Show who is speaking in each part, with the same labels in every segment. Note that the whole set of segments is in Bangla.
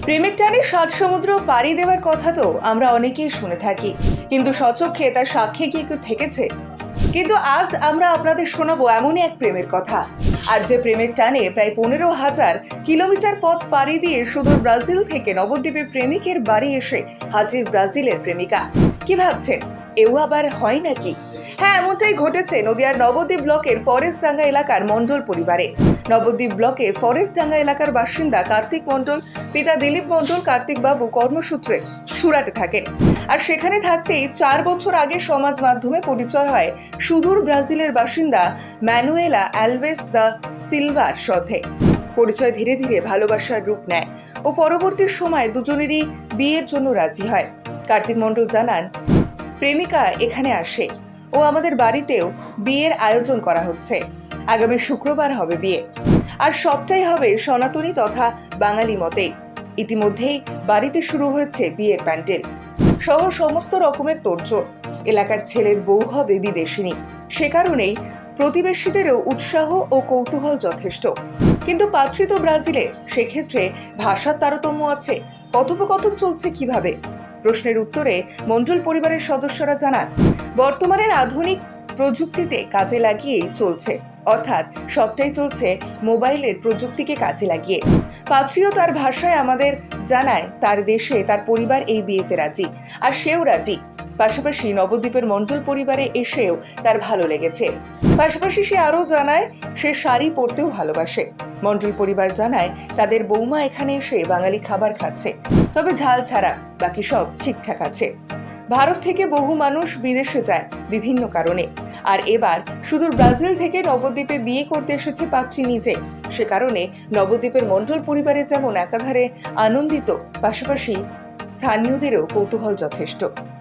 Speaker 1: প্রেমের টানে সাত সমুদ্র পাড়ি দেওয়ার কথা তো আমরা অনেকেই শুনে থাকি, কিন্তু স্বচক্ষে তার সাক্ষী কি কেউ থেকেছে? কিন্তু আজ আমরা আপনাদের শোনাবো এমনই এক প্রেমের কথা, আর যে প্রেমের টানে প্রায় 15,000 কিলোমিটার পথ পাড়ি দিয়ে সুদূর ব্রাজিল থেকে নবদ্বীপে প্রেমিকের বাড়ি এসে হাজির ব্রাজিলের প্রেমিকা। কি ভাবছেন, এও আবার হয় নাকি? হ্যাঁ, এমনটাই ঘটেছে নদিয়ার নবদ্বীপ ব্লকের ফরেস্টডাঙ্গা এলাকার মণ্ডল পরিবারে। নবদ্বীপ ব্লকের ফরেস্টডাঙ্গা এলাকার বাসিন্দা কার্তিক মণ্ডল, পিতা দিলীপ মণ্ডল। কার্তিক বাবু কর্মসূত্রে সুরাটে থাকেন, আর সেখানে থাকতেই 4 বছর আগে সমাজ মাধ্যমে পরিচয় হয় সুদূর ব্রাজিলের বাসিন্দা ম্যানুয়েলা অ্যালভেস দা সিলভার সাথে। পরিচয় ধীরে ধীরে ভালোবাসার রূপ নেয় ও পরবর্তী সময় দুজনেরই বিয়ের জন্য রাজি হয়। কার্তিক মণ্ডল জানান, প্রেমিকা এখানে আসে ও আমাদের বাড়িতেও বিয়ের আয়োজন করা হচ্ছে। আগামী শুক্রবার হবে বিয়ে, আর সবটাই হবে সনাতনী তথা বাঙালি মতেই। ইতিমধ্যেই বাড়িতে শুরু হয়েছে বিয়ের প্যান্ডেল সহ সমস্ত রকমের তোড়জোড়। এলাকার ছেলের বউ হবে বিদেশিনী, সে কারণেই প্রতিবেশীদেরও উৎসাহ ও কৌতূহল যথেষ্ট। কিন্তু পাত্রী তো ব্রাজিলে, সেক্ষেত্রে ভাষার তারতম্য আছে। কথোপকথন চলছে কিভাবে? প্রশ্নের উত্তরে মণ্ডল পরিবারের সদস্যরা জানান, বর্তমানের আধুনিক প্রযুক্তিতে কাজে লাগিয়েই চলছে, অর্থাৎ সবটাই চলছে মোবাইলের প্রযুক্তিকে কাজে লাগিয়ে। পাত্রীও তার ভাষায় আমাদের জানায় তার দেশে তার পরিবার এই বিয়েতে রাজি, আর সেও রাজি। পাশাপাশি নবদ্বীপের মণ্ডল পরিবারে এসেও তার ভালো লেগেছে। পাশাপাশি সে আরও জানায় সে শাড়ি পরতেও ভালোবাসে। মণ্ডল পরিবার জানায় তাদের বৌমা এখানে এসে বাঙালি খাবার খাচ্ছে, তবে ঝাল ছাড়া, বাকি সব ঠিকঠাক আছে। ভারত থেকে বহু মানুষ বিদেশে যায় বিভিন্ন কারণে, আর এবার সুদূর ব্রাজিল থেকে নবদ্বীপে বিয়ে করতে এসেছে পাত্রী নিজে। সে কারণে নবদ্বীপের মণ্ডল পরিবারে যেমন একাধারে আনন্দিত, পাশাপাশি স্থানীয়দেরও কৌতূহল যথেষ্ট।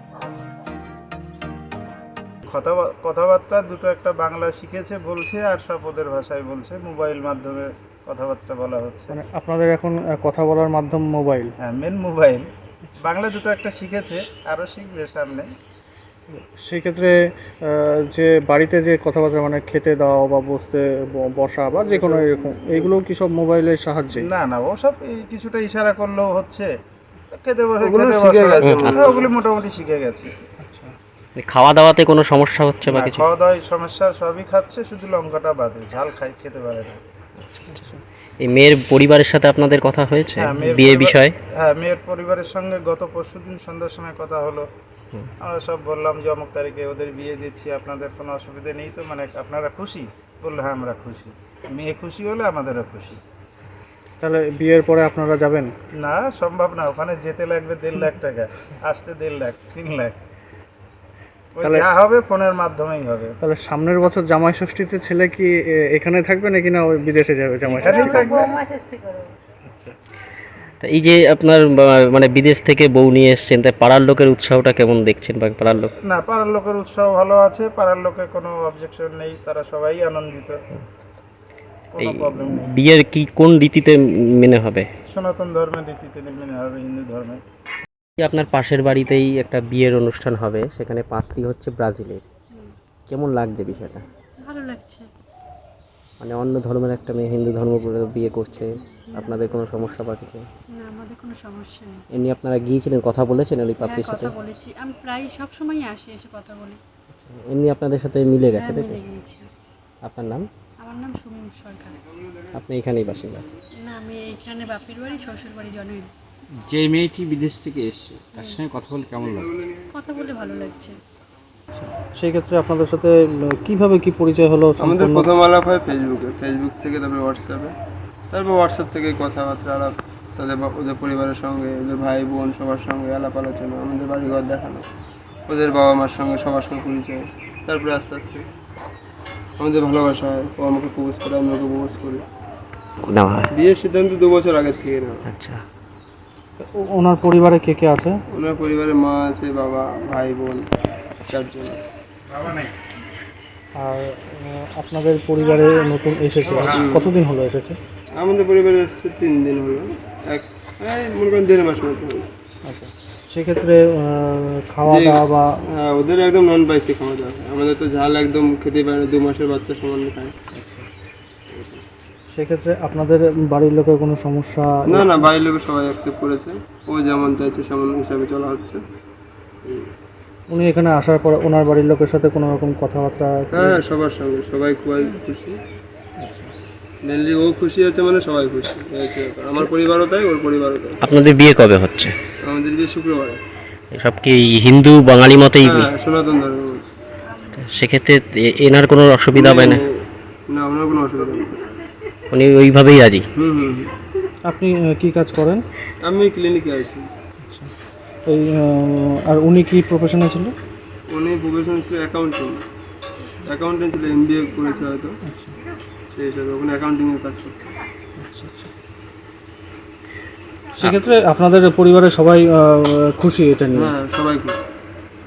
Speaker 2: কথাবার্তা দুটো একটা বাংলা শিখেছে বলছে, আর সব ওদের ভাষায় বলছে। মোবাইল মাধ্যমে কথাবার্তা বলা হচ্ছে।
Speaker 3: মানে আপনাদের এখন কথা বলার মাধ্যম মোবাইল?
Speaker 2: হ্যাঁ, মেন মোবাইল। বাংলা দুটো একটা শিখেছে, আরও শিখবে সামনে।
Speaker 3: সেই ক্ষেত্রে যে বাড়িতে যে কথাবার্তা, মানে খেতে দাও বা বসা বা যে কোনো এরকম, এইগুলো কি সব মোবাইলের সাহায্যে?
Speaker 2: না না, ওসব কিছুটা ইশারা করলেও হচ্ছে। খেতে বসে ওগুলি মোটামুটি শিখে গেছে।
Speaker 4: খাওয়া দাওয়াতে কোনো সমস্যা হচ্ছে বা কিছু?
Speaker 2: খাওয়া দাওয়ায় সমস্যা, সবই খাচ্ছে, শুধু লঙ্কাটা বাদে। ঝাল খেতে পারে না।
Speaker 4: এই মেয়ের পরিবারের সাথে আপনাদের কথা হয়েছে বিয়ে বিষয়ে?
Speaker 2: হ্যাঁ, মেয়ের পরিবারের সঙ্গে গত পরশুদিন সন্ধ্যার সময় কথা হলো। আমরা সব বললাম যে অমুক তারিখে ওদের বিয়ে দিচ্ছি, আপনাদের কোনো অসুবিধা নেই তো? মানে আপনারা খুশি? বললো হ্যাঁ, আমরা খুশি। মেয়ে খুশি হলে আমাদেরও খুশি।
Speaker 3: তাহলে বিয়ের পরে আপনারা যাবেন?
Speaker 2: না, সম্ভব না। ওখানে যেতে লাগবে 1.5 লাখ টাকা, আসতে 1.5 লাখ, 3 লাখ।
Speaker 3: তাহলে
Speaker 2: যা হবে ফোনের মাধ্যমেই হবে।
Speaker 3: তাহলে সামনের বছর জামাই ষষ্ঠীতে ছেলে কি এখানে থাকবে নাকি না ওই বিদেশে যাবে জামাই ষষ্ঠী?
Speaker 4: আচ্ছা, তা এই যে আপনার মানে বিদেশ থেকে বউ নিয়ে এসছেন, তাই পাড়ার লোকের উৎসাহটা কেমন দেখছেন? বা পাড়ার লোক?
Speaker 2: না, পাড়ার লোকের উৎসাহ ভালো আছে। পাড়ার লোকের কোনো অবজেকশন নেই, তারা সবাই আনন্দিত, কোনো প্রবলেম নেই।
Speaker 4: বিয়ের কি কোন রীতিতে মেনে হবে?
Speaker 2: সনাতন ধর্মের রীতিতে মেনে হবে, হিন্দু ধর্মে।
Speaker 4: আপনার পাশের বাড়িতেই একটা বিয়ের অনুষ্ঠান হবে, সেখানে পাত্রী হচ্ছে ব্রাজিলের। কেমন লাগছে বিষয়টা?
Speaker 5: ভালো লাগছে।
Speaker 4: মানে অন্য ধর্মের একটা মেয়ে হিন্দু ধর্ম করে বিয়ে করছে, আপনাদের কোনো সমস্যা বা কিছু?
Speaker 5: না, আমাদের কোনো সমস্যা নেই।
Speaker 4: এমনি আপনারা গিয়েছিলেন, কথা বলেছেন ওই পাত্রীর সাথে?
Speaker 5: কথা বলেছি, আমি প্রায় সব সময় আসি, এসে কথা বলি।
Speaker 4: এমনি আপনাদের সাথে মিলে গেছে, তাই তো?
Speaker 5: মিলে গিয়েছি।
Speaker 4: আপনার নাম?
Speaker 5: আমার নাম সুমিম সরকার।
Speaker 4: আপনি এখানেই বাসিন্দা?
Speaker 5: না, আমি এইখানে বাপের বাড়ি, শ্বশুর বাড়ি জনই।
Speaker 6: যে মেয়েটি বিদেশ থেকে এসছে তার সঙ্গে কথা বলে কেমন লাগে?
Speaker 5: কথা বলে ভালো লাগছে।
Speaker 3: সেই ক্ষেত্রে আপনাদের সাথে কিভাবে কি পরিচয় হলো?
Speaker 7: আমাদের প্রথম আলাপ হয় ফেসবুক থেকে, তারপরে হোয়াটসঅ্যাপে, তারপর হোয়াটসঅ্যাপ থেকে কথাবার্তা আলাপ, ওদের পরিবারের সঙ্গে, ওদের ভাই বোন সবার সঙ্গে আলাপ আলোচনা, আমাদের বাড়িঘর দেখানো, ওদের বাবা মার সঙ্গে সবার সঙ্গে পরিচয়। তারপরে আস্তে আস্তে আমাদের ভালোবাসা হয়। ও আমাকে প্রপোজ করে, আমি ওকে প্রপোজ করি। বিয়ের সিদ্ধান্ত 2 বছর আগের থেকে নেওয়া।
Speaker 4: আচ্ছা,
Speaker 3: ওনার পরিবারে কে কে আছে?
Speaker 7: ওনার পরিবারে মা আছে, বাবা, ভাই বোন, 4 জন।
Speaker 3: আর আপনাদের পরিবারে নতুন এসেছে, কতদিন হলো এসেছে?
Speaker 7: আমাদের পরিবারে এসেছে 3 দিন হলো, মনে করেন 1.5 মাস মতো হলো।
Speaker 3: আচ্ছা, সেক্ষেত্রে খাওয়া দাওয়া বা?
Speaker 7: হ্যাঁ, ওদের একদম নন স্পাইসি খাওয়া দাওয়া। আমাদের তো ঝাল একদম খেতেই পারে না, 2 মাসের বাচ্চা সমান খায়।
Speaker 3: সেক্ষেত্রে আপনাদের বাড়ির লোকের কোনো সমস্যা?
Speaker 7: না না, বাড়ির লোক সবাই অ্যাকসেপ্ট করেছে, ও যেমন চাইছে সেমন হিসাবে চলা হচ্ছে।
Speaker 3: উনি এখানে আসার পর ওনার বাড়ির লোকের সাথে কোনো রকম কথাবার্তা?
Speaker 7: হ্যাঁ, সবার সঙ্গে সবাই খুবই খুশি। মেনলি ও খুশি আছে মানে সবাই খুশি, এই হচ্ছে ব্যাপার। আমার পরিবারও তাই, ওর পরিবারও তাই।
Speaker 4: আপনাদের বিয়ে কবে হচ্ছে?
Speaker 7: আমাদের বিয়ে শুক্রবারে।
Speaker 4: সব কি হিন্দু বাঙালি মতেই?
Speaker 7: হ্যাঁ, সনাতন ধর্ম।
Speaker 4: সেক্ষেত্রে এনার কোনো অসুবিধা হবে না?
Speaker 7: না, ওনার কোনো অসুবিধা নেই।
Speaker 4: উনি ওইভাবেই রাজি?
Speaker 7: হুম হুম হুম।
Speaker 3: আপনি কি কাজ করেন?
Speaker 7: আমি ক্লিনিকে আছি।
Speaker 3: এই আর উনি কি প্রফেশনে ছিল?
Speaker 7: উনি প্রফেশন ছিল অ্যাকাউন্টেন্ট ছিল, MBA করেছে হয়তো, সেই হিসাবে ওখানে অ্যাকাউন্টিংয়ের কাজ করছে।
Speaker 3: সেক্ষেত্রে আপনাদের পরিবারের সবাই খুশি এটা নিয়ে?
Speaker 7: হ্যাঁ, সবাই খুশি।